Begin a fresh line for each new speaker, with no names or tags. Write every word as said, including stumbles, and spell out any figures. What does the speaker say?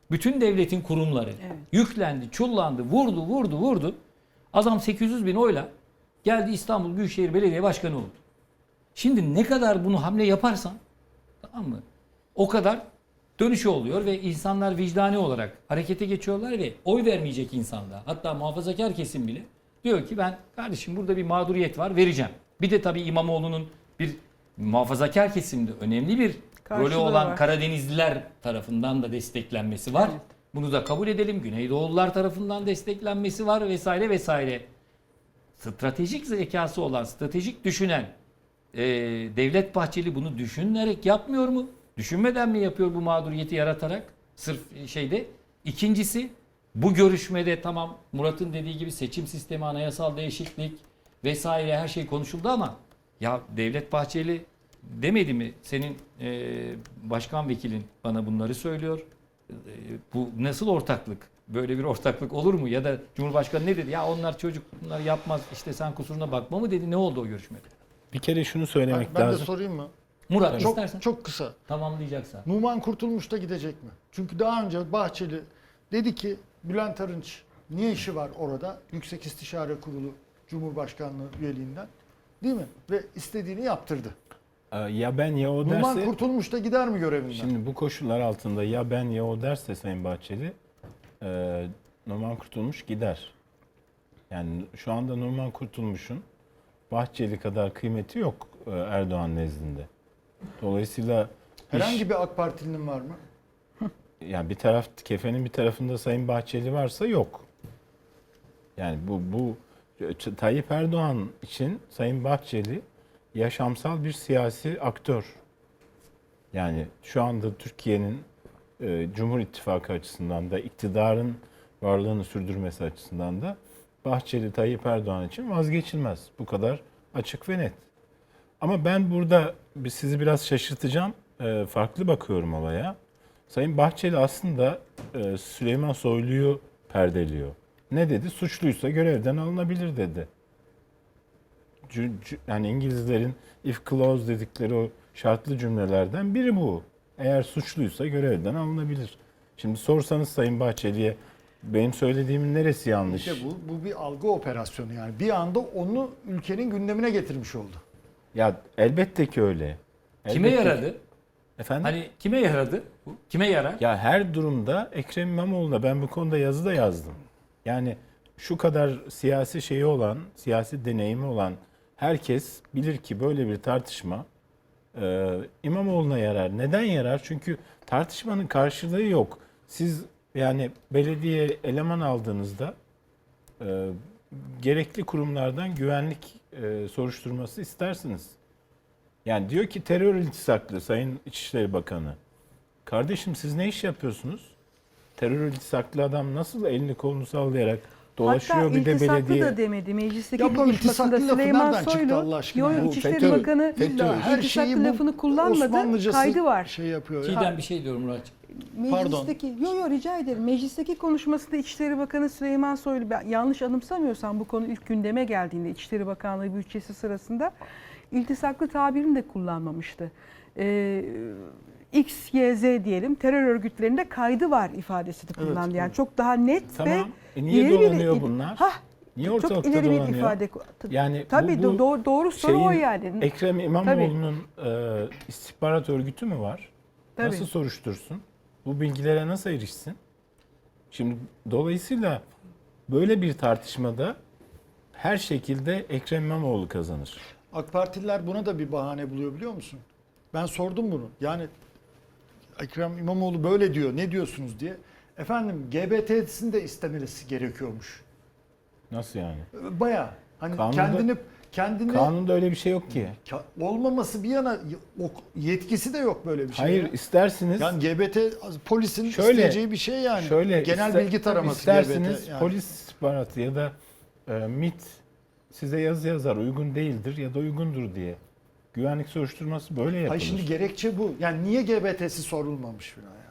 Bütün devletin kurumları
Evet.
yüklendi, çullandı, vurdu, vurdu, vurdu. Adam sekiz yüz bin oyla geldi İstanbul Büyükşehir Belediye Başkanı oldu. Şimdi ne kadar bunu hamle yaparsan, tamam mı? O kadar dönüşü oluyor ve insanlar vicdani olarak harekete geçiyorlar ve oy vermeyecek insanda, hatta muhafazakar kesim bile diyor ki ben kardeşim burada bir mağduriyet var, vereceğim. Bir de tabii İmamoğlu'nun bir muhafazakar kesimde önemli bir rolü
Karşılığı
olan
var.
Karadenizliler tarafından da desteklenmesi var.
Evet.
Bunu da kabul edelim. Güneydoğullular tarafından desteklenmesi var vesaire vesaire. Stratejik zekası olan, stratejik düşünen e, Devlet Bahçeli bunu düşünerek yapmıyor mu? Düşünmeden mi yapıyor bu mağduriyeti yaratarak? Sırf şeyde. İkincisi, bu görüşmede tamam Murat'ın dediği gibi seçim sistemi, anayasal değişiklik vesaire her şey konuşuldu ama ya Devlet Bahçeli demedi mi? Senin e, başkan vekilin bana bunları söylüyor. E, bu nasıl ortaklık? Böyle bir ortaklık olur mu? Ya da Cumhurbaşkanı ne dedi? Ya onlar çocuk, bunlar yapmaz. İşte sen kusuruna bakma mı dedi? Ne oldu o görüşmede?
Bir kere şunu
Ben,
söylemek
ben de
lazım.
sorayım mı?
Murat
Çok
istersen
çok kısa.
tamamlayacaksa.
Numan Kurtulmuş da gidecek mi? Çünkü daha önce Bahçeli dedi ki Bülent Arınç niye işi var orada? Yüksek İstişare Kurulu Cumhurbaşkanlığı üyeliğinden. Değil mi? Ve istediğini yaptırdı.
Ee, Ya ben ya o
Numan
derse,
Kurtulmuş da gider mi görevinden?
şimdi bu koşullar altında ya ben ya o derse Sayın Bahçeli, e, Numan Kurtulmuş gider. Yani şu anda Numan Kurtulmuş'un Bahçeli kadar kıymeti yok e, Erdoğan nezdinde. Dolayısıyla iş-
Herhangi bir AK Partilinin var mı?
yani bir taraf, kefenin bir tarafında Sayın Bahçeli varsa yok. Yani bu bu Tayyip Erdoğan için Sayın Bahçeli yaşamsal bir siyasi aktör. Yani şu anda Türkiye'nin e, Cumhur İttifakı açısından da iktidarın varlığını sürdürmesi açısından da Bahçeli Tayyip Erdoğan için vazgeçilmez. Bu kadar açık ve net. Ama ben burada bir- sizi biraz şaşırtacağım. E, farklı bakıyorum olaya. Sayın Bahçeli aslında e, Süleyman Soylu'yu perdeliyor. Ne dedi? Suçluysa görevden alınabilir dedi. Cü- cü- Yani İngilizlerin if clause dedikleri o şartlı cümlelerden biri bu. Eğer suçluysa görevden alınabilir. Şimdi sorsanız Sayın Bahçeli'ye benim söylediğimin neresi yanlış?
İşte bu, bu bir algı operasyonu yani. Bir anda onu ülkenin gündemine getirmiş oldu.
Ya elbette ki öyle.
Kime
Elbette ki-
yaradı?
Efendim?
Hani kime yaradı? Bu? Kime yarar?
Ya her durumda Ekrem İmamoğlu'na ben bu konuda yazı da yazdım. Yani şu kadar siyasi şeyi olan, siyasi deneyimi olan herkes bilir ki böyle bir tartışma e, İmamoğlu'na yarar. Neden yarar? Çünkü tartışmanın karşılığı yok. Siz yani belediye eleman aldığınızda e, gerekli kurumlardan güvenlik e, soruşturması istersiniz. Yani diyor ki terör iltisaklı Sayın İçişleri Bakanı. Kardeşim siz ne iş yapıyorsunuz? Terör iltisaklı adam nasıl elini kolunu sallayarak dolaşıyor
Hatta
bir de
iltisaklı
belediye.
da demedi. Meclisteki
Ya bu
konuşmasında
iltisaklı lafı
Süleyman
nereden çıktı
Soylu,
Allah aşkına?
yo,
Bu
İçişleri
FETÖ,
Bakanı
FETÖ.
İlla her şeyi
iltisaklı
bu
lafını kullanmadı.
Osmanlıcası
Kaydı var.
şey yapıyor. ya.
Çiğdem bir şey diyorum Muratçığım.
Meclisteki, yo yo rica ederim. Meclisteki konuşmasında İçişleri Bakanı Süleyman Soylu, ben yanlış anımsamıyorsam bu konu ilk gündeme geldiğinde İçişleri Bakanlığı bütçesi sırasında iltisaklı tabirini de kullanmamıştı. Ee, X, Y, Z diyelim terör örgütlerinde kaydı var ifadesini kullandı.
Evet,
yani
evet.
çok daha net
Tamam.
ve
E niye
ileri bir-
dolanıyor bunlar?
Hah,
Niye
çok
ortalıkta
ileri bir
dolanıyor?
ifade.
Yani
Tabii
bu- bu
doğru, doğru soru o
şeyin,
yani.
Ekrem İmamoğlu'nun e, istihbarat örgütü mü var?
Tabii.
Nasıl soruştursun? Bu bilgilere nasıl erişsin? Şimdi dolayısıyla böyle bir tartışmada her şekilde Ekrem İmamoğlu kazanır.
AK Partililer buna da bir bahane buluyor biliyor musun? Ben sordum bunu. Yani Ekrem İmamoğlu böyle diyor. Ne diyorsunuz diye. Efendim G B T'sini de istemesi gerekiyormuş.
Nasıl yani?
Baya hani
Kanunda-
kendini kendini
Kanunda öyle bir şey yok ki.
Ka- olmaması bir yana o- yetkisi de yok böyle bir şey.
Hayır
ya.
istersiniz
Yani G B T polisin
Şöyle-
isteyeceği bir şey yani.
şöyle
Genel
iste-
bilgi taraması
isterseniz
G B T. Yani.
polis istihbaratı ya da e, MİT size yazı yazar uygun değildir ya da uygundur diye. Güvenlik soruşturması böyle yapılır.
Hayır şimdi gerekçe bu. Yani niye G B T'si sorulmamış falan yani.